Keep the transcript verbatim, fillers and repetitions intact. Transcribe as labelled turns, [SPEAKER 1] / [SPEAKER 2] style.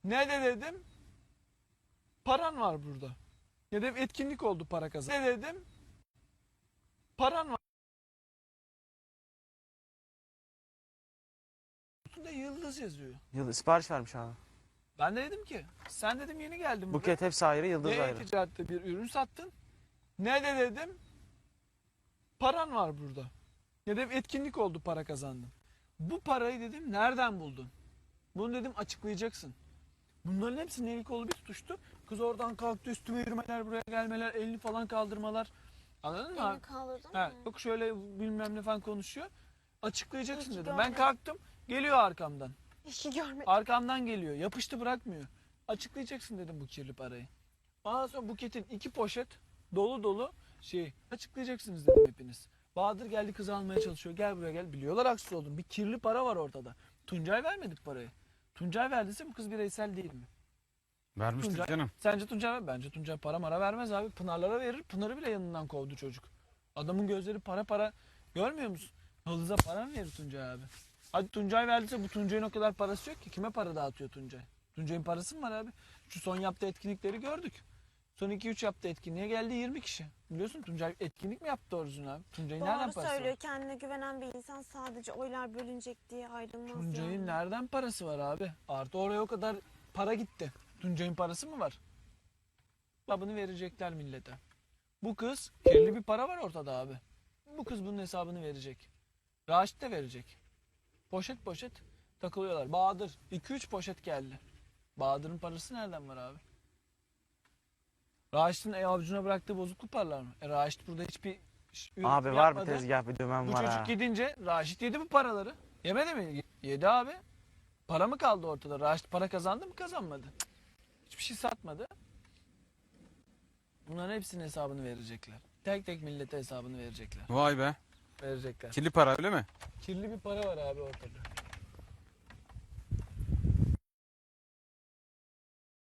[SPEAKER 1] Ne de dedim? Paran var burada. Ya da etkinlik oldu para kazan. Ne dedim? Paran var. Üstünde yıldız yazıyor.
[SPEAKER 2] Yıldız sipariş vermiş abi.
[SPEAKER 1] Ben de dedim ki sen dedim yeni geldin buraya.
[SPEAKER 2] Buket hepsi ayrı, yıldız
[SPEAKER 1] Ne
[SPEAKER 2] ayrı.
[SPEAKER 1] ticarette bir ürün sattın? Ne de dedim? Paran var burada. Ya da etkinlik oldu para kazandın. Bu parayı dedim nereden buldun? Bunu dedim açıklayacaksın. Bunların hepsinin eli kolu bir tutuştu. Kız oradan kalktı, üstüme yürümeler, buraya gelmeler, elini falan kaldırmalar. Anladın mı?
[SPEAKER 3] Elini kaldırdın
[SPEAKER 1] He,
[SPEAKER 3] mı?
[SPEAKER 1] yok şöyle bilmem ne falan konuşuyor. Açıklayacaksın
[SPEAKER 3] İyi ki
[SPEAKER 1] dedim. Ben
[SPEAKER 3] görmedim.
[SPEAKER 1] kalktım, geliyor arkamdan.
[SPEAKER 3] Hiç görmedim.
[SPEAKER 1] Arkamdan geliyor, yapıştı bırakmıyor. Açıklayacaksın dedim bu kirli parayı. Ondan sonra Buket'in iki poşet dolu dolu şey açıklayacaksınız dedim hepiniz. Bahadır geldi kızı almaya çalışıyor. Gel buraya gel. Biliyorlar haksız oldum. Bir kirli para var ortada. Tuncay vermedik parayı. Tuncay verdiyse bu kız bireysel değil mi?
[SPEAKER 4] Vermiştir
[SPEAKER 1] Tuncay,
[SPEAKER 4] canım.
[SPEAKER 1] Sence Tuncay ver? Bence Tuncay para mara vermez abi. Pınarlara verir. Pınar'ı bile yanından kovdu çocuk. Adamın gözleri para para. Görmüyor musun? Yıldız'a para mı verir Tuncay abi? Hadi Tuncay verdiyse bu Tuncay'ın o kadar parası yok ki. Kime para dağıtıyor Tuncay? Tuncay'ın parası mı var abi? Şu son yaptığı etkinlikleri gördük. Son iki üç yaptığı etkinliğe geldi yirmi kişi. Biliyorsun Tuncay etkinlik mi yaptı doğrusu abi? Tuncay'ın nereden
[SPEAKER 3] Doğru
[SPEAKER 1] parası
[SPEAKER 3] söylüyor.
[SPEAKER 1] var?
[SPEAKER 3] Kendine güvenen bir insan sadece oylar bölünecek diye ayrılmaz
[SPEAKER 1] Tuncay'ın
[SPEAKER 3] yani.
[SPEAKER 1] nereden parası var abi? Artı oraya o kadar para gitti. Tuncay'ın parası mı var? Hesabını verecekler millete. Bu kız kirli bir para var ortada abi. Bu kız bunun hesabını verecek. Raşit de verecek. Poşet poşet takılıyorlar. Bahadır iki üç poşet geldi. Bahadır'ın parası nereden var abi? Raşit'in e, avucuna bıraktığı bozukluk paralar mı? E, Raşit burada hiçbir ş- ürün
[SPEAKER 2] Abi var bir
[SPEAKER 1] yapmadı.
[SPEAKER 2] tezgah, bir dümen
[SPEAKER 1] Bu
[SPEAKER 2] var
[SPEAKER 1] çocuk
[SPEAKER 2] ha.
[SPEAKER 1] gidince Raşit yedi bu paraları. Yemedi mi? Yedi abi. Para mı kaldı ortada? Raşit para kazandı mı kazanmadı? Cık. Hiçbir şey satmadı. Bunların hepsinin hesabını verecekler. Tek tek millete hesabını verecekler.
[SPEAKER 4] Vay be.
[SPEAKER 1] Verecekler.
[SPEAKER 4] Kirli para öyle mi?
[SPEAKER 1] Kirli bir para var abi ortada.